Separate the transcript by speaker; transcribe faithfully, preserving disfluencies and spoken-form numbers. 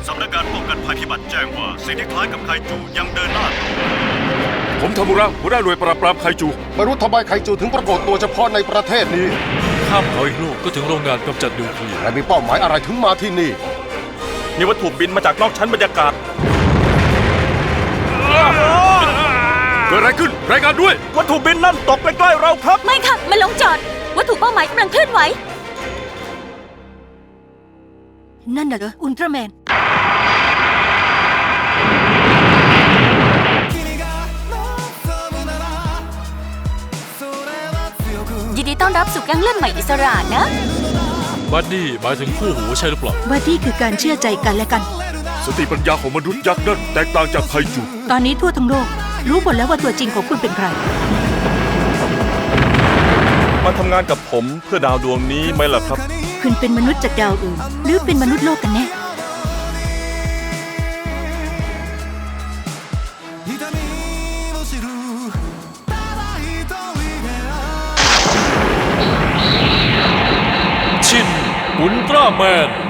Speaker 1: สำนักงานป้องกันภัยพิบัติแจ้งว่าสิ่งที่คล้ายกับไคจูยังเดินหน้าต่อ
Speaker 2: ผมทามุระหัวหน้าหน่วยปราบปรามไคจูไม่รู้ทำไมไคจูถึงปรากฏตัวเฉพาะในประเทศนี้
Speaker 3: ข้ามเขาอีกลูกก็ถึงโรงงานกำจัดนิวเคลียร์
Speaker 2: และมีเป้าหมายอะไรถึงมาที่นี่
Speaker 4: มีวัตถุบินมาจากนอกชั้นบรรยากาศ
Speaker 2: เกิดอะไรขึ้นรายงานด้วย
Speaker 4: วัตถุบินนั่นตกใกล้ๆเราครับ
Speaker 5: ไม่ค่ะ มันลงจอด วัตถุเป้าหมายกำลังเคลื่อนไหว นั่นน่ะเหรอ อุลตร้าแมน ยินดีต้อนรับสู่แก๊งเลือดใหม่อิสระนะ
Speaker 3: บัดดี้หมายถึงคู่หูใช่หรือเปล่า
Speaker 5: ว่าที่คือการเชื่อใจกันและกัน
Speaker 2: สติปัญญาของมนุษย์ยักษ์นั่นแตกต่างจากไคจู
Speaker 5: ตอนนี้ทั่วทั้งโลก รู้หมดแล้วว่าตัวจริงของคุณเป็นใคร
Speaker 4: มาทำงานกับผมเพื่อดาวดวงนี้ไหมล่ะครับ
Speaker 5: คุณเป็นมนุษย์จากดาวอื่น หรือเป็นมนุษย์โลกกันแน่
Speaker 3: ชินอุลตร้าแมน